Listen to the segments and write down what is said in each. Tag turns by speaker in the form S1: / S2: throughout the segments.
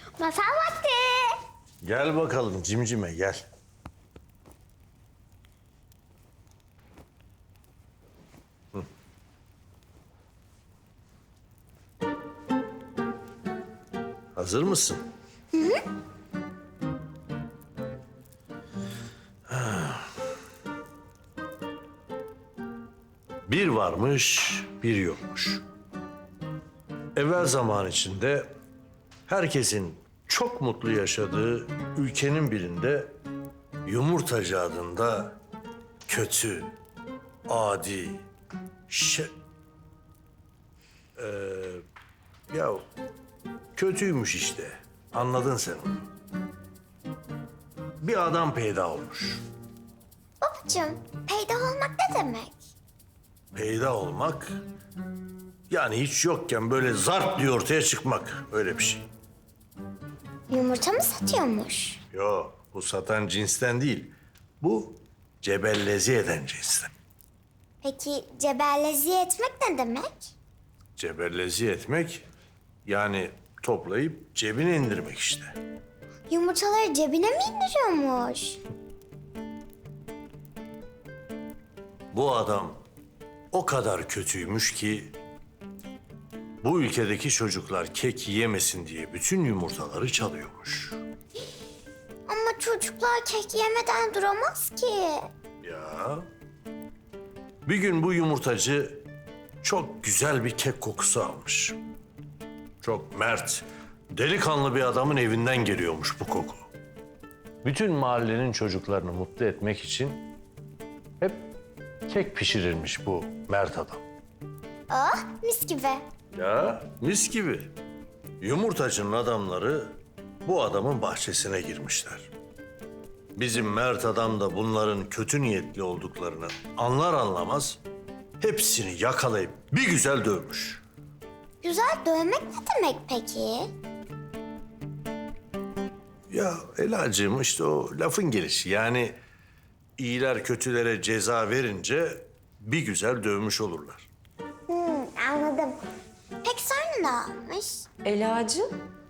S1: Masal vakti.
S2: Gel bakalım cimcime gel. Hı. Hazır mısın? Hı hı. Bir varmış, bir yokmuş. Evvel zaman içinde herkesin çok mutlu yaşadığı ülkenin birinde Yumurtacı adında kötü, adi, ya kötüymüş işte. Anladın sen onu. Bir adam peyda olmuş.
S1: Babacığım, peyda olmak ne demek?
S2: Peyda olmak yani hiç yokken böyle zart diye ortaya çıkmak. Öyle bir şey.
S1: Yumurta mı satıyormuş?
S2: Yok, bu satan cinsten değil. Bu cebellezi eden cinsten.
S1: Peki cebellezi etmek ne demek?
S2: Cebellezi etmek yani toplayıp cebine indirmek işte.
S1: Yumurtaları cebine mi indiriyormuş?
S2: Bu adam o kadar kötüymüş ki bu ülkedeki çocuklar kek yemesin diye bütün yumurtaları çalıyormuş.
S1: Ama çocuklar kek yemeden duramaz ki.
S2: Ya. Bir gün bu yumurtacı çok güzel bir kek kokusu almış. Çok mert, delikanlı bir adamın evinden geliyormuş bu koku. Bütün mahallenin çocuklarını mutlu etmek için hep kek pişirirmiş bu mert adam.
S1: Ah, mis gibi.
S2: Ya mis gibi. Yumurtacının adamları bu adamın bahçesine girmişler. Bizim mert adam da bunların kötü niyetli olduklarını anlar anlamaz hepsini yakalayıp bir güzel dövmüş.
S1: Güzel dövmek ne demek peki?
S2: Ya Elacığım işte o lafın gelişi. Yani iyiler kötülere ceza verince bir güzel dövmüş olurlar.
S1: Anladım. Peki sonra ne olmuş?
S3: Elacığım,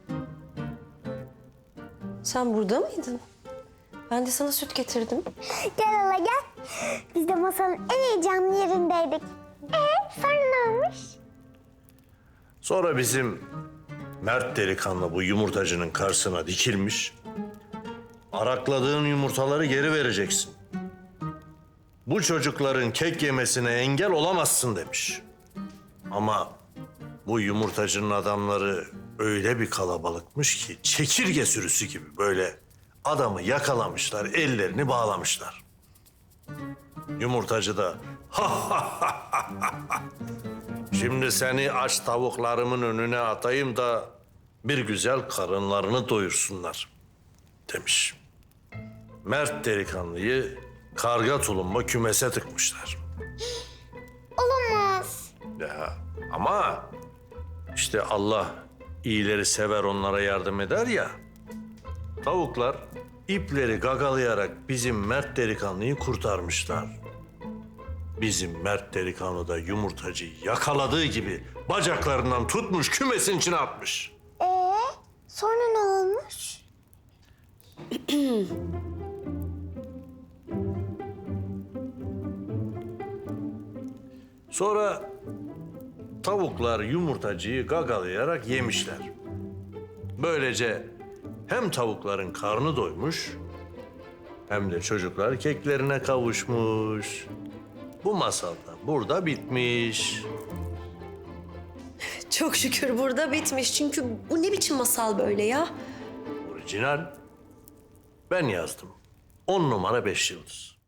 S3: sen burada mıydın? Ben de sana süt getirdim.
S1: Gel hala gel. Biz de masanın en heyecanlı yerindeydik. Sonra ne olmuş?
S2: Sonra bizim mert delikanlı bu yumurtacının karşısına dikilmiş. Arakladığın yumurtaları geri vereceksin. Bu çocukların kek yemesine engel olamazsın demiş. Ama bu yumurtacının adamları öyle bir kalabalıkmış ki çekirge sürüsü gibi böyle adamı yakalamışlar, ellerini bağlamışlar. Yumurtacı da şimdi seni aç tavuklarımın önüne atayım da bir güzel karınlarını doyursunlar demiş. Mert delikanlıyı karga tulumba kümese tıkmışlar.
S1: Olamaz.
S2: Ya ama işte Allah iyileri sever onlara yardım eder ya. Tavuklar ipleri gagalayarak bizim Mert delikanlıyı kurtarmışlar. Bizim Mert delikanlı da yumurtacıyı yakaladığı gibi bacaklarından tutmuş kümesin içine atmış.
S1: Sonra ne olmuş?
S2: Sonra tavuklar yumurtacıyı gagalayarak yemişler. Böylece hem tavukların karnı doymuş hem de çocuklar keklerine kavuşmuş. Bu masal da burada bitmiş.
S3: Çok şükür burada bitmiş. Çünkü bu ne biçim masal böyle ya?
S2: Orijinal. Ben yazdım. 10 numara 5 yıldız.